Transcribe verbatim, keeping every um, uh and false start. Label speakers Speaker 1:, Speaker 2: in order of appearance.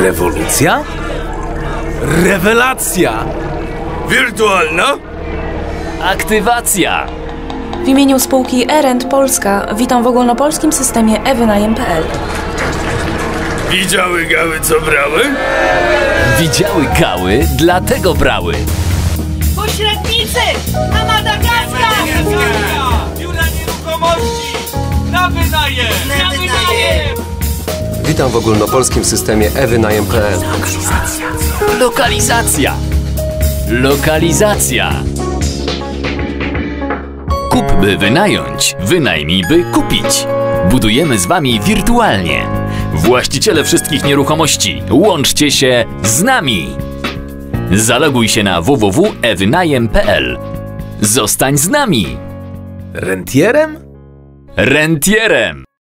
Speaker 1: Rewolucja? Rewelacja!
Speaker 2: Wirtualna?
Speaker 3: Aktywacja!
Speaker 4: W imieniu spółki E-Rent Polska witam w ogólnopolskim systemie e-wynajem kropka p l.
Speaker 2: Widziały gały, co brały?
Speaker 3: Widziały gały, dlatego brały.
Speaker 5: Pośrednicy! Na Madagaskar!
Speaker 6: Biura Nieruchomości! Na wynajem!
Speaker 5: Na wynajem!
Speaker 7: Witam w ogólnopolskim systemie e-wynajem kropka p l.
Speaker 3: Lokalizacja! Lokalizacja! Kup by wynająć, wynajmij by kupić. Budujemy z Wami wirtualnie. Właściciele wszystkich nieruchomości, łączcie się z nami! Zaloguj się na w w w kropka e wynajem kropka p l. Zostań z nami!
Speaker 1: Rentierem?
Speaker 3: Rentierem!